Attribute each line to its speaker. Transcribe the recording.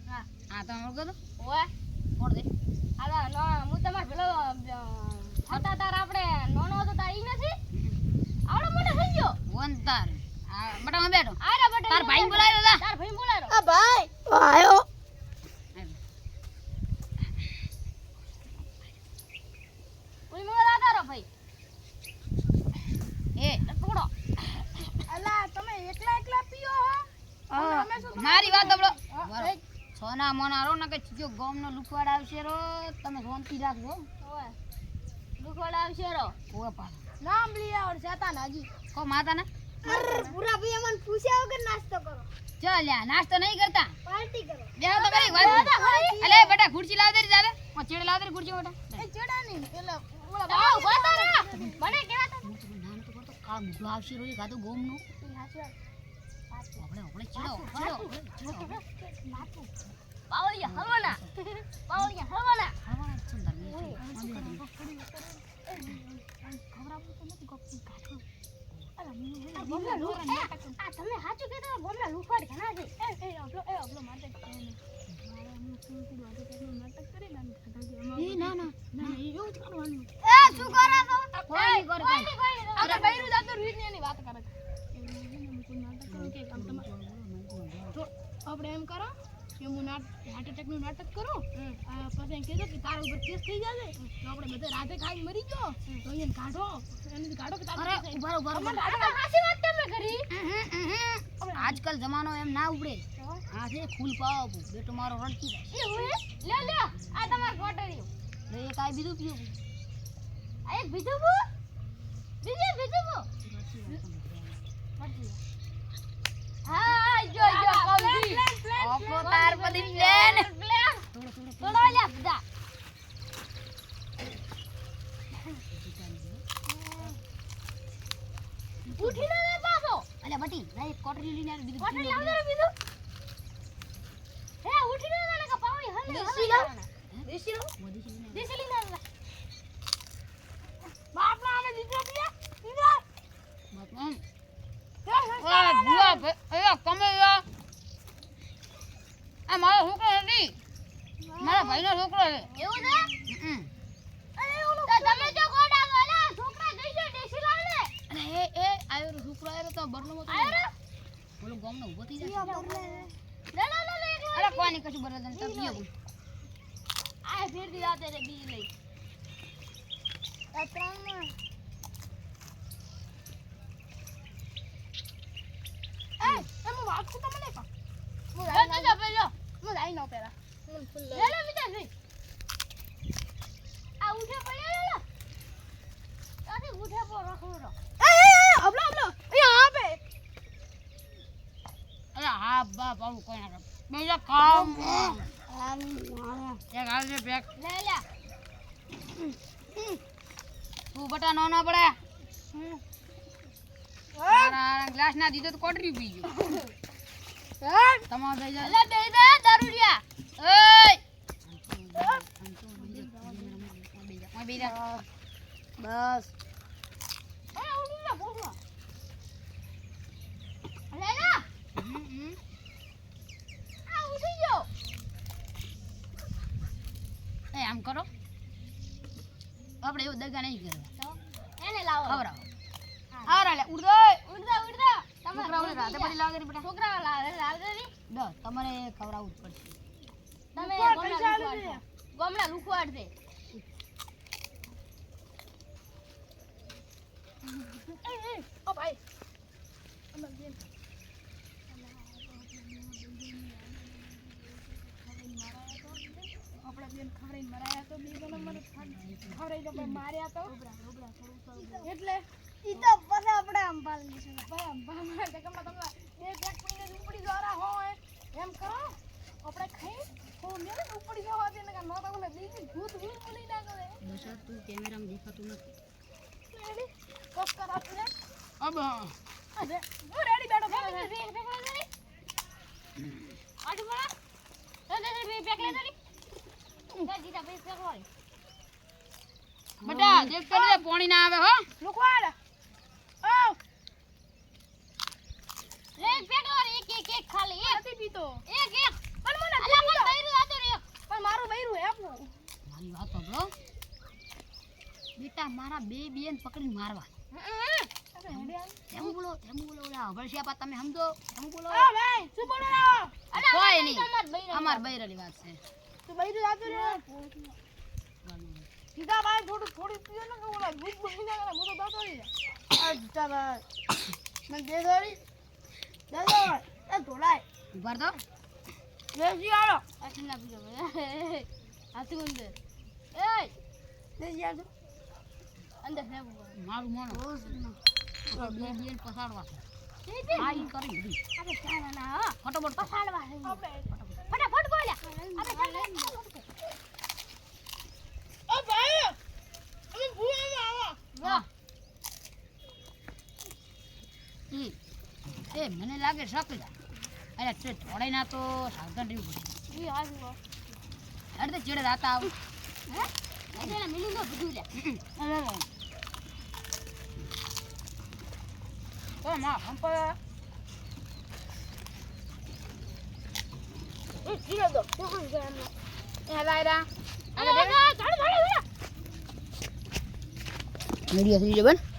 Speaker 1: હા તો ઓળખો તો
Speaker 2: ઓય
Speaker 1: કોણ દે
Speaker 2: આલા નો હું તમાર પેલો છાતા તાર આપણે નોનો હતો તાર ઈ નથી આવડો મોટો થઈ ગયો
Speaker 1: વંતાર આ બટા બેઠો
Speaker 2: આરા બટન
Speaker 1: તાર ભાઈ બોલાવ્યો તા
Speaker 2: તાર ભાઈ બોલાયો
Speaker 3: આ ભાઈ આયો
Speaker 2: કોઈ મને લાગારો ભાઈ
Speaker 1: એ
Speaker 2: ટુકડો
Speaker 3: અલા તમે એકલા એકલા પીઓ હો
Speaker 1: મારી વાત સાંભળો
Speaker 3: હા,
Speaker 1: સોના મોના રો ને કે જો ગોમનો લુકવાડ આવશે રો તમે શાંતિ રાખજો
Speaker 2: ઓય દુખોડ આવશે રો
Speaker 1: ઓય પા
Speaker 3: નામ લીયા ઓર શેતાન હાજી
Speaker 1: કો માતા ને
Speaker 3: પૂરા ભાઈ અમન પૂછ્યા વગર નાસ્તો કરો
Speaker 1: ચાલ લ્યા નાસ્તો નહીં કરતા
Speaker 3: પાર્ટી કરો
Speaker 1: બેહો તો કરી વાત અલે બેટા ખુરશી લાવ દે જાવે ઓ ચેડે લાવ દે ખુરશી બેટા
Speaker 3: એ ચડા નહીં પેલા ઓલા
Speaker 2: આવ ગોતારા મને કેવા તો
Speaker 1: નામ તો કરતો કા મુઢો આવશે રો ગાતો ગોમનો આપણે ચડો
Speaker 2: પાવળિયા હવાના પાવળિયા હવાના
Speaker 1: હવા સુંદર
Speaker 2: આ તમે સાચું કીધું ગોમના લુફાડ ઘણા છે
Speaker 3: એ અબલો મારતે નાટક કરી
Speaker 1: એ ના ના
Speaker 3: ના એવું જ કરવાનું
Speaker 2: એ શું કરો તો
Speaker 1: કોઈ નહીં કરે
Speaker 3: અરે બૈરું જાતો રીત ની એની વાત કરે નાટક કરો કે કામ તમારે તો આપણે એમ કરો કે હું હાર્ટ એટેક નું નાટક કરું પછી એમ કીધું કે તારા ઉપર કેસ થઈ જશે તો આપણે બધા રાતે ખાઈ મરી ગયો તો એને કાઢો એને કાઢો કે
Speaker 1: અરે ઉભા ઉભા
Speaker 2: આ તો હાચી વાત તમે કરી
Speaker 1: આજકાલ જમાનો એમ ના ઉપડે આ છે ફૂલ પાવ બેટો મારો રડકી
Speaker 2: એ હોય લે આ તમાર કોટરીઓ
Speaker 1: લે એક આ બીજું પીઓ
Speaker 2: આ એક બીજું બો બીજું બો હા જો કમજી
Speaker 1: ઓપો તાર પદી પ્લેન
Speaker 2: થોડો લે બધા ઉઠી ને પાછો
Speaker 1: અલે બટી લે એક કોટરી લઈને આવી બીજું
Speaker 2: કોટરી આવ દે બીજું હે ઉઠી ને કે પાવડી હલે
Speaker 3: દેશી લાવ.
Speaker 2: દેશી લઈને આવ
Speaker 3: બાપના આને દીકરો પીયા
Speaker 1: બાપમ ઓય બુઆ એ કમે આ મારો છોકરો નથી મારા ભાઈનો છોકરો છે
Speaker 2: એવું છે અરે ઓલું તમે જો ગોડા ગોલા છોકરા જઈજો દેશી લાવ લે
Speaker 1: અને એ આયો છોકરો આયો તો બરલો મત
Speaker 2: આયો રે
Speaker 1: બોલો ગામનો ઉભો થઈ જશે
Speaker 2: લે
Speaker 1: અરે કોઈ નહીં કશું બરલ તને પીઓ
Speaker 2: આ ફેર દી રાતે રે બી લઈ
Speaker 3: આ ત્રણ એમ વાત તો મને કા હું
Speaker 2: લે જા પેલો
Speaker 3: હું લાઈ નો પેલા હું ફૂલ
Speaker 2: લે બીજા જઈ આ ઉઠે પડ્યો લે તાથી ઉઠે પર રખડો
Speaker 3: અબલો અહીંયા આપે
Speaker 1: અરે હા બાપ આવું કોઈ ના બીજા કામ એક હાલ છે બેક
Speaker 2: લે
Speaker 1: તું બટા નો ના પડે તારા ગ્લાસ ના દીધો તો કોટરી પી ગયો તમાર દઈ જા
Speaker 2: લે દે દે દારૂડિયા
Speaker 1: ઓય ઓય બીજા બસ
Speaker 2: એ ઉડી લે બોલો લે ના આ ઉઠી ગયો
Speaker 1: એ આમ કરો આપણે એવું દગા નહીં કરવા
Speaker 2: એને લાવો
Speaker 1: ખવરાવો આરા લે ઉડ
Speaker 2: ઉડતા
Speaker 1: છોકરાઓને રાતે પડી લાગે રે બેટા
Speaker 2: છોકરા લાવ દે
Speaker 1: દસ તમારે ખવરાવવું જ પડશે
Speaker 2: તમે ગોમડા લુખવાડ દે
Speaker 3: ઓ ભાઈ આપણે બેન ખવડાઈને મરાયા તો બે જણા મને ખવડાઈ તો માર્યા તો એટલે
Speaker 2: ઈ તો પછી આપણે અંબાલ લઈશું
Speaker 3: ભાઈ અંબા કે તમને બે પેક પીને ઉપડી જરા હોય એમ કરો આપણે ખાઈ તો મેરે ઉપડી જવા દે ને નો તો મને દીદી ભૂત ભૂત બોલી ના કરે
Speaker 1: દશા તું કેમેરામાં દેખાતું નથી
Speaker 3: રેડી કોક કરા તું
Speaker 1: અબ
Speaker 3: અરે હું રેડી બેઠો
Speaker 2: આટુ બડા તો દે બે પેક લે દરી જીતા બે પેક હોય
Speaker 1: બેટા દેખ કરી દે પાણી ના આવે હો
Speaker 3: લુકવાડ ઓ
Speaker 2: લે પેક લો એક ખાલી
Speaker 3: નથી પીતો
Speaker 2: એક
Speaker 3: પણ મને
Speaker 2: અલા
Speaker 1: હતા મારા બે બેન પકડીને મારવા. તેમ બોલો ઓલા હવળશિયા તમે સમજો તેમ બોલો.
Speaker 3: આ ભાઈ શું બોલો ના
Speaker 1: કોઈ નહીં અમાર બૈરાની વાત છે.
Speaker 3: તું બઈ જાતો રે સીધા ભાઈ થોડી પીઓ ને કે ઓલા ભૂખ બની જાય ને મોટો દાતો રે આ સીધા ભાઈ મને દે દોરી એ ધોલાય
Speaker 1: ઉભાર દો.
Speaker 3: લેજી આલો
Speaker 2: આ ઠંડા પીજો હાથી અંદર
Speaker 3: લેજી આલો
Speaker 2: અંદર છે બુગો
Speaker 1: મારું મોનો બે બેન પસાડવા છે. આ ઈ કરી દીધી.
Speaker 2: આપણે ચાલવાના હા
Speaker 1: ફટાફટ
Speaker 2: પસાડવા છે
Speaker 3: આપણે
Speaker 2: ફટાફટ બોલ્યા આપણે ચાલ
Speaker 3: ઓ ભાઈ અમે ભૂવા આવો
Speaker 2: વાહ
Speaker 1: એ મને લાગે શકલા. અરે તે થોડે ના તો સાવધાન રહેવું પડે.
Speaker 2: ઈ હાજુ
Speaker 1: અરે ચેડે રાતા આવ.
Speaker 2: હે એટલે મિલી નો બધું લે
Speaker 1: ઓ માં હંપા
Speaker 3: એ જીરો દો શું છે એમ
Speaker 1: એ હલાયરા
Speaker 2: ચાલ
Speaker 1: મીડિયા થઈ જબન.